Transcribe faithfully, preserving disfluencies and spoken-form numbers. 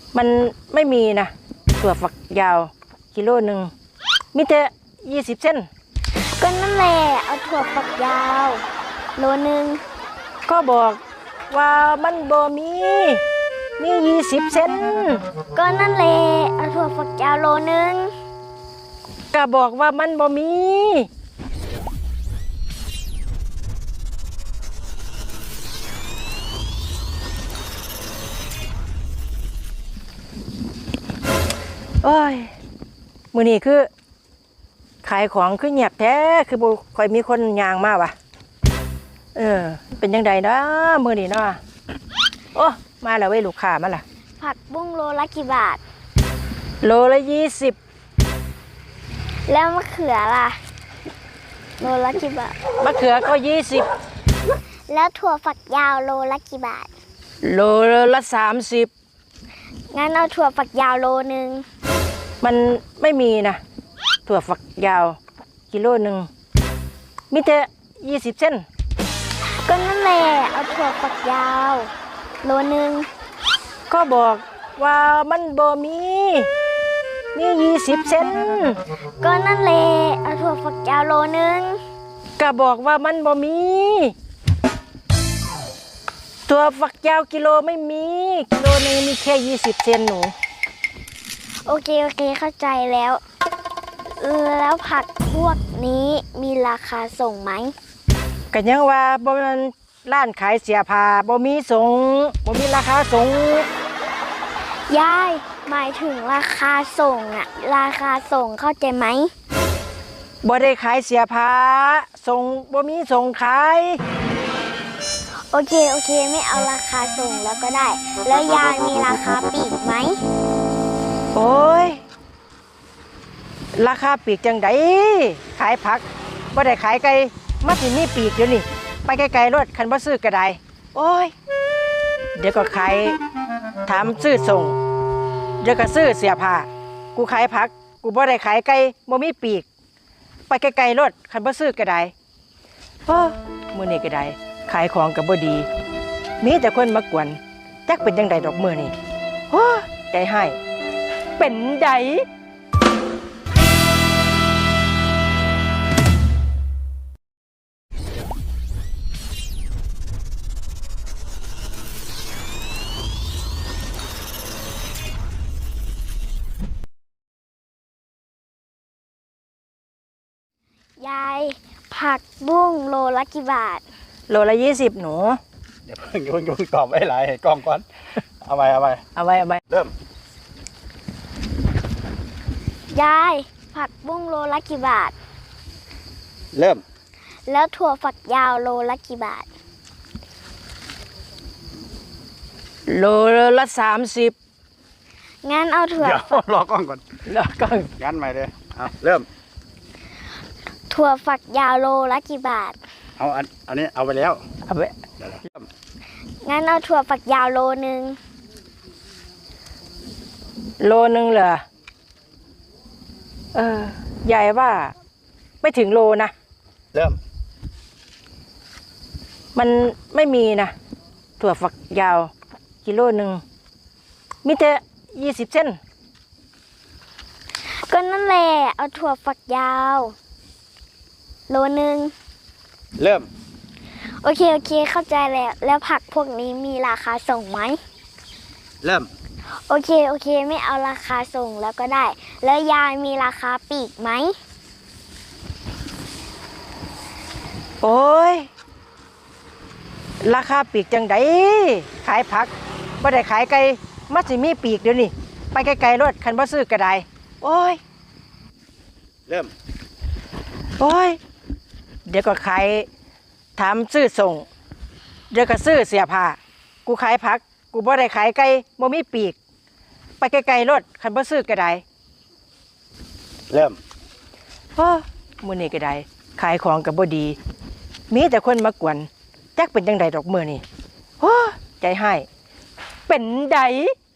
มันไม่มีนะถั่วฝักยาวกิโลหนึ่งมีแต่ยี่สิบเส้นก็นั่นแหละเอาถั่วฝักยาวโลนึงก็บอกว่ามันบ่มีมียี่สิบเส้นก็นั่นแหละเอาถั่วฝักยาวโลนึงก็บอกว่ามันบ่มีโอ้ยมื้อนี้คือขายของคือเงียบแท้คือบ่ค่อยมีคนย่างมาว่ะเออเป็นจังไดนะมื้อนี้เนาะโอ้มาแล้วเว้ยลูกค้ามาล่ะผักบุ้งโลละกี่บาทโลละยี่สิบแล้วมะเขือล่ะโลละกี่บาทมะเขือก็ยี่สิบแล้วถั่วฝักยาวโลละกี่บาทโลละสามสิบงั้นเอาถั่วฝักยาวโลนึงมันไม่มีนะถั่วฝักยาวกิโลหนึ่งมีแต่ยี่สิบเส้นก็นั่นแหละเอาถั่วฝักยาวโลนึงก็บอกว่ามันบ่มีมียี่สิบเส้นก็นั่นแหละเอาถั่วฝักยาวโลนึงก็บอกว่ามันบ่มีถั่วฝักยาวกิโลไม่มีกิโลนึงมีแค่ยี่สิบเซนหนูโอเคโอเคเข้าใจแล้วแล้วผักพวกนี้มีราคาส่งไหมก็ยังว่าบ่มันร้านขายเสียผ้าบ่มีส่งบ่มีราคาส่งยายหมายถึงราคาส่งอะราคาส่งเข้าใจไหมบ่ได้ขายเสียผ้าส่งบ่มีส่งขายโอเคโอเคไม่เอาราคาส่งแล้วก็ได้แล้วยายมีราคาปลีกไหมโอ้ยราคาปีกจังไดขายผักบ่ได้ขายไก่มาสิมีปีกอยู่นี่ไปไกลๆรถคันบ่ซื้อก็ได้โอ้ยเดี๋ยวก็ขายถามซื้อส่งเดี๋ยวก็ซื้อเสียผ้ากูขายผักกูบ่ได้ขายไก่บ่มีปีกไปไกลๆรถคันบ่ซื้อก็ได้โอ้มื้อนี้ก็ได้ขายของก็บ่ดีมีแต่คนมากวนจักเป็นจังไดดอกมื้อนี้โอ้ใจให้เป็นไดยายผักบุ้งโลละกี่บาทโลละยี่สิบหนูเดี๋ยวเพิ่งเพิ่งเพิ่งตอบไม่หลายให้กล้องก่อนเอาไปเอาไปเอาไปเอาไปเริ่มยายผักบุ้งโลละกี่บาทเริ่มแล้วถั่วฝักยาวโลละกี่บาทโลละสามสิบงั้นเอาถั่วเดี๋ยวรอกล้องก่อนรอกล้องงั้นใหม่เลยเอาเริ่มถั่วฝักยาวโลละกี่บาทเอาอันอันนี้เอาไปแล้วเอาไปเริ่มงั้นเอาถั่วฝักยาวโลนึงโลนึงเหรอเออใหญ่ว่าไม่ถึงโลนะเริ่มมันไม่มีนะถั่วฝักยาวกิโลหนึ่งมีแต่ยี่สิบเส้นก็นั่นแหละเอาถั่วฝักยาวโลนึงเริ่มโอเคโอเคเข้าใจแล้วแล้วผักพวกนี้มีราคาส่งไหมเริ่มโอเคโอเคไม่เอาราคาส่งแล้วก็ได้แล้วยายมีราคาปลีกไหมโอ้ยราคาปีกจังไดขายผักบ่ได้ขายไก่มาสิมีปีกเดี๋ยวนี้ไปไกลๆรถคันบ่ซื้อก็ได้โอ้ยเริ่มโอ้ยเดี๋ยวก็ขายถามซื้อส่งเดี๋ยวก็ซื้อเสียผ้ากูขายผักกูบ่ได้ขายไก่บ่มีปีกไปไกลๆรถคันบ่ซื้อก็ได้เริ่มโอ้มื้อนี้ก็ได้ขายของก็บ่ดีมีแต่คนมากวนจักเป็นจังไดดอกมื้อนี้โอ้ใจให้เป็นได